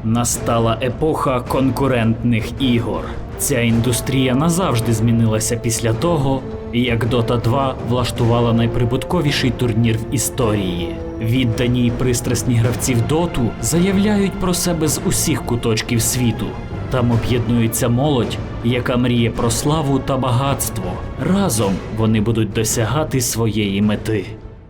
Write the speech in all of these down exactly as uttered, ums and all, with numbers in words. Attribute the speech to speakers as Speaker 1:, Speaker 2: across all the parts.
Speaker 1: Настала епоха конкурентних ігор. Ця індустрія назавжди змінилася після того, як Дота два влаштувала найприбутковіший турнір в історії. Віддані й пристрасні гравці в Доту заявляють про себе з усіх куточків світу. Там об'єднується молодь, яка мріє про славу та багатство. Разом вони будуть досягати своєї мети.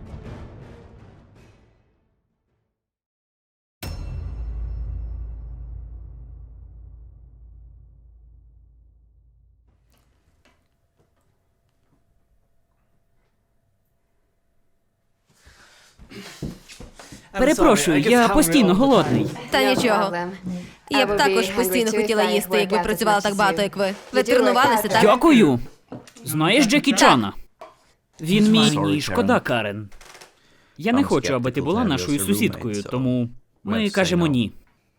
Speaker 2: Перепрошую, я постійно голодний.
Speaker 3: Та нічого. Я б також постійно хотіла їсти, якби працювала так багато, як ви. Ви тренувалися, так?
Speaker 2: Дякую. Знаєш Джекі Чана? Він мій...
Speaker 1: Ні, шкода, Карен.
Speaker 2: Я не хочу, аби ти була нашою сусідкою, тому ми кажемо ні.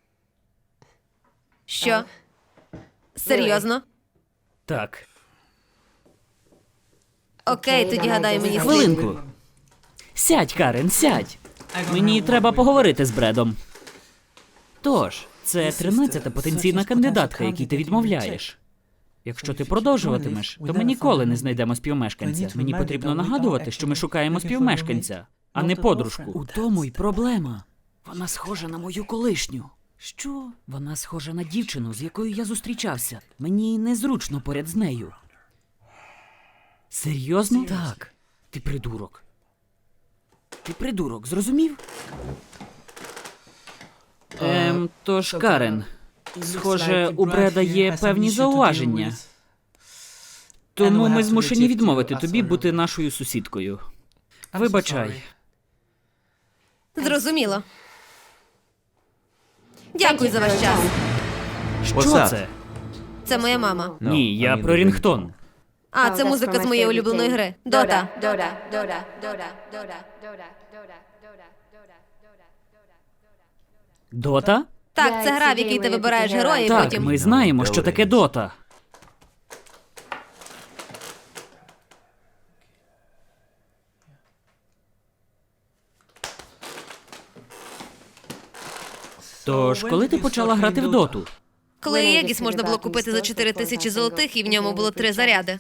Speaker 3: Що? Серйозно?
Speaker 1: Так.
Speaker 3: Окей, тоді гадаю, мені слід.
Speaker 2: Хвилинку. Сядь, Карен, сядь. Мені треба поговорити з Бредом. Тож, це тринадцята потенційна кандидатка, якій ти відмовляєш. Якщо ти продовжуватимеш, то ми ніколи не знайдемо співмешканця. Мені потрібно нагадувати, що ми шукаємо співмешканця, а не подружку. У тому й проблема. Вона схожа на мою колишню. Що? Вона схожа на дівчину, з якою я зустрічався. Мені незручно поряд з нею. Серйозно? Так. Ти придурок. Ти придурок, зрозумів? Ем, тож, Карен, схоже, у Бреда є певні зауваження. Тому ми змушені відмовити тобі бути нашою сусідкою. Вибачай.
Speaker 3: Зрозуміло. Дякую за ваш час.
Speaker 2: Що це?
Speaker 3: Це моя мама.
Speaker 1: Ні, я про Рінгтон.
Speaker 3: А, це музика з моєї улюбленої гри. Дота.
Speaker 2: Дота?
Speaker 3: Так, це гра, в якій ти вибираєш героя і
Speaker 2: Так,
Speaker 3: потім...
Speaker 2: ми знаємо, що таке Дота. Тож, коли ти почала грати в Доту?
Speaker 3: Коли Єгіс можна було купити за чотири тисячі золотих, і в ньому було три заряди.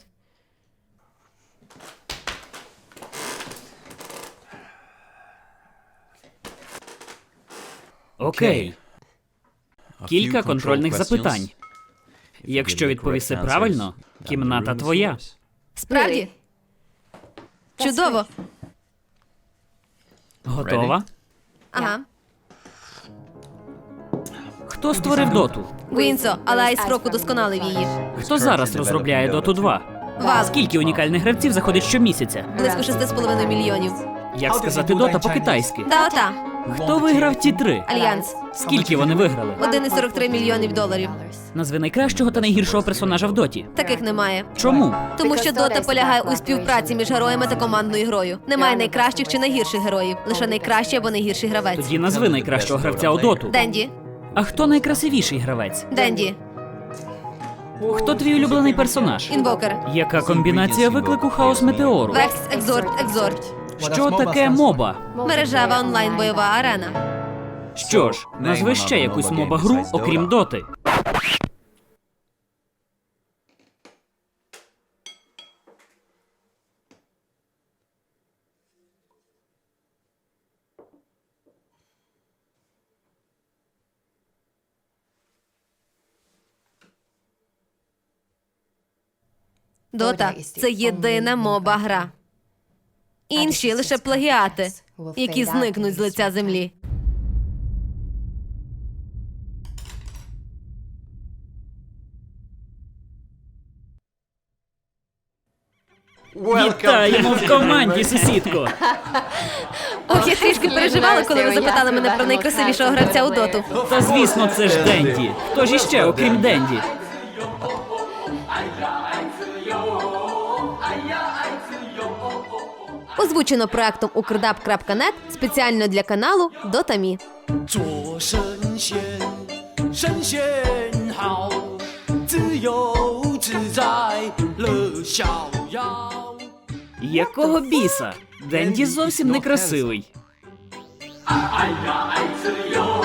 Speaker 2: Окей. Кілька контрольних запитань. Якщо відповіси правильно, кімната твоя.
Speaker 3: Справді? Чудово.
Speaker 2: Готова?
Speaker 3: Ага.
Speaker 2: Хто створив Доту?
Speaker 3: Гвінсо, але Айсфрок удосконалив її.
Speaker 2: Хто зараз розробляє Доту два?
Speaker 3: Вал.
Speaker 2: Скільки унікальних гравців заходить щомісяця?
Speaker 3: Близько шести з половиною мільйонів.
Speaker 2: Як сказати Дота по-китайськи?
Speaker 3: Даота.
Speaker 2: Хто виграв ті три?
Speaker 3: Альянс.
Speaker 2: Скільки вони виграли?
Speaker 3: один цілих сорок три мільйонів доларів.
Speaker 2: Назви найкращого та найгіршого персонажа в Доті.
Speaker 3: Таких немає.
Speaker 2: Чому?
Speaker 3: Тому що Дота полягає у співпраці між героями та командною грою. Немає найкращих чи найгірших героїв. Лише найкращий або найгірший гравець.
Speaker 2: Тоді назви найкращого гравця у Доту.
Speaker 3: Денді.
Speaker 2: А хто найкрасивіший гравець?
Speaker 3: Денді.
Speaker 2: Хто твій улюблений персонаж?
Speaker 3: Інвокер.
Speaker 2: Яка комбінація виклику Хаос Метеору?
Speaker 3: Векс, Екзорт, Екзорт.
Speaker 2: Що таке моба?
Speaker 3: Мережева онлайн-бойова арена.
Speaker 2: Що ж, назви ще якусь моба-гру, окрім Доти.
Speaker 3: Дота – це єдина моба-гра. Інші – лише плагіати, які зникнуть з лиця землі.
Speaker 2: Вітаємо в команді, сусідко!
Speaker 3: Ох, я трішки переживала, коли ви запитали мене про найкрасивішого гравця у Доту.
Speaker 2: Та звісно, це ж Денді. Хто ж іще, окрім Денді?
Speaker 3: Озвучено проектом укрдаб крапка нет спеціально для каналу Дотамі.
Speaker 4: 做神仙，神仙好，自由自在乐逍遥。
Speaker 2: Якого біса? Денді зовсім не красивий.
Speaker 4: 哎呀，爱自由。